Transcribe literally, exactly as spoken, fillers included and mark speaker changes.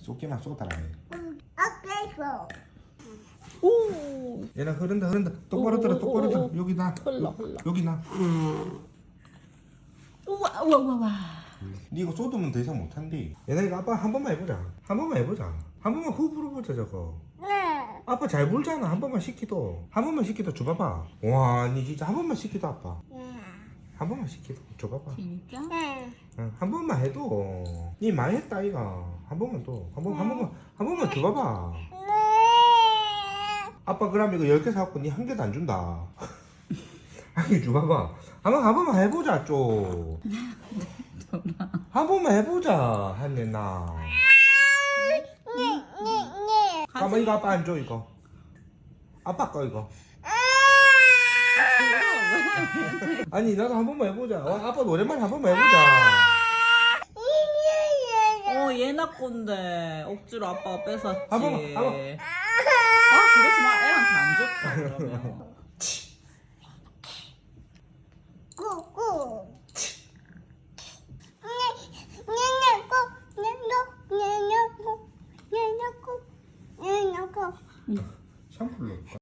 Speaker 1: 쏟기나 쏟아라.
Speaker 2: 아까워.
Speaker 3: 오.
Speaker 1: 얘나 흐른다 흐른다. 똑바로 들어 똑바로
Speaker 3: 오, 오,
Speaker 1: 들어.
Speaker 3: 오.
Speaker 1: 여기 나.
Speaker 3: 흘러, 흘러.
Speaker 1: 여기 나.
Speaker 3: 우와 우와 우와 우와.
Speaker 1: 니 이거 쏟으면 더 이상 못한디. 얘나 이거 아빠 한 번만 해보자. 한 번만 해보자. 한 번만 후 불어보자 저거.
Speaker 2: 네.
Speaker 1: 아빠 잘 불잖아. 한 번만 시키도. 한 번만 시키도 줘봐봐. 와, 니 진짜 한 번만 시키도 아빠.
Speaker 2: 네.
Speaker 1: 한 번만 시키도 줘봐봐.
Speaker 3: 진짜?
Speaker 2: 네.
Speaker 1: 응, 한 번만 해도. 니 많이 했다 이가. 한 번만 또. 한 번, 한 번만, 한 번만 줘봐봐.
Speaker 2: 네.
Speaker 1: 아빠 그럼 이거 열 개 사갖고 니 한 개도 안 준다. 한 개 줘봐봐. 한 번, 한 번만 해보자 좀. 한 번만 해보자 한내나. 가만 이거 아빠 안 줘 이거. 아빠 거 이거. 아니 나도 한 번만 해보자. 와, 아빠 오랜만에 한 번만 해보자.
Speaker 3: 어 얘나 건데 억지로 아빠가 뺏었지.
Speaker 1: 한 번만, 한 번.
Speaker 3: 아 그러지 마. 애한테 안 좋다 그러면.
Speaker 2: 꾸꾸. 냐냐고 냐냐고 냐냐고 냐냐고 냐냐고.
Speaker 1: 샴푸로.